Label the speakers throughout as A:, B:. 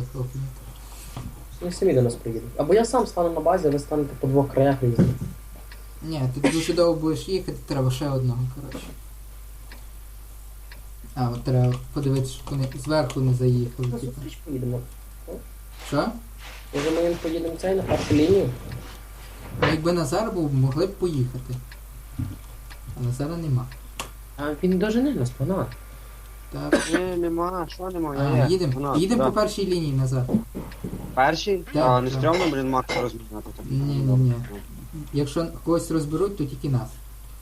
A: захоплені.
B: Вони самі до нас приїдуть. Або я сам стану на базі, а ви станете по двох краях різних.
A: Ні, ти дуже довго будеш їхати, треба ще одного, коротше. А, от треба подивитися, щоб вони зверху не заїхали,
B: На
A: типу.
B: зустріч поїдемо.
A: Що?
B: Може ми їм поїдемо цей на першу лінію?
A: Ну, якби Назар був, могли б поїхати. А Назара нема.
B: А він дожене нас, пана.
A: Так.
C: Ні, нема, що нема,
A: А,
C: є.
A: їдемо. Їдемо по першій лінії назад.
C: Перший?
A: Так,
C: А, не
A: так.
C: стрьомно, блін, Макса розмінати. так?
A: Ні. Якщо когось розберуть, то тільки нас.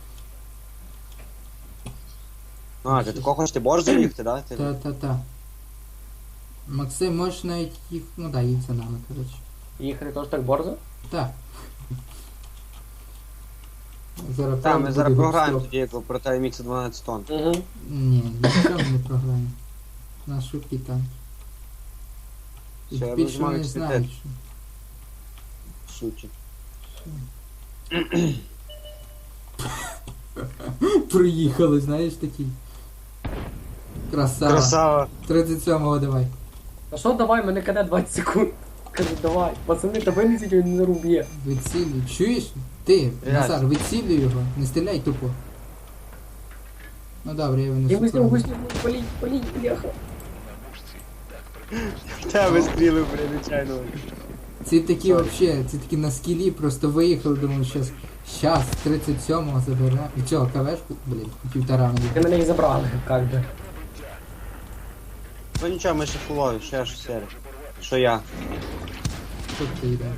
C: А, ти такого хочеш, ти борщ заїхати, да? Ти...
A: Та. Максим, можеш навіть їх. Ну да, їдь за нами, коротше.
B: Їхати теж так борзо?
A: Так. Зараз
C: Та, ми
A: правда
C: зараз
A: буде
C: програємо
A: гоп-стоп.
C: тоді, як проти Мікса 12 тонн.
B: Угу.
A: Ні, нічого ми не програємо. Наш шутки танк. І
C: Все, я
A: більше
C: вижимаю
A: вони знають, що.
C: Сучі.
A: Приїхали, знаєш такий. Красава.
C: Красава.
A: 37-го давай.
B: А що давай, мене каде 20 секунд. Кажу, давай. Пацани, та винесіть, він не руб'є.
A: Вицілюй. Чуєш? Ти,
C: Блядь.
A: Назар, вицілюй його. Не стріляй тупо. Ну добре, я
B: Я
A: винесу.
B: виснув,
A: правду.
B: політь, бляха.
C: Тебе стріли, блін, нечайно.
A: Ці такі вообще, ці такі на скілі просто виїхали, думаю, щас 37-го заберемо. І цього кавешку, блін, півтора
B: Ви
A: мені.
B: мене їх забрали, як би.
C: Ну нічого, ми ще фулові, ще ж серія. Що я?
A: Тут ти йде.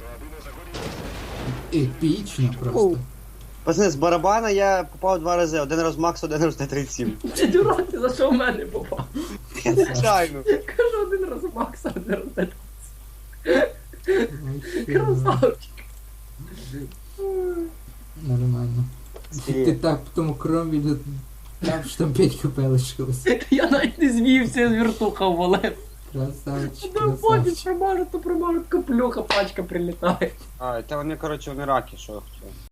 A: Епічно просто.
C: Пацани, з барабана я попав 2 рази. Один раз в Макс, один раз на 37.
B: Чи дурак, ти за що в мене попав?
C: Нечайно.
B: Кажу, один раз у Макса, один раз на
A: Вообще,
B: красавчик.
A: Нормально. Ти так по тому кромі там що там 5 хп лишилось.
B: Я навіть не звівся, з вертуха ввалив.
A: Красавчик,
B: Ну, потім
A: красавчик.
B: промажу, то промажу, каплюха, пачка прилітає.
C: А, та вони, коротше, вони раки, що я хотів.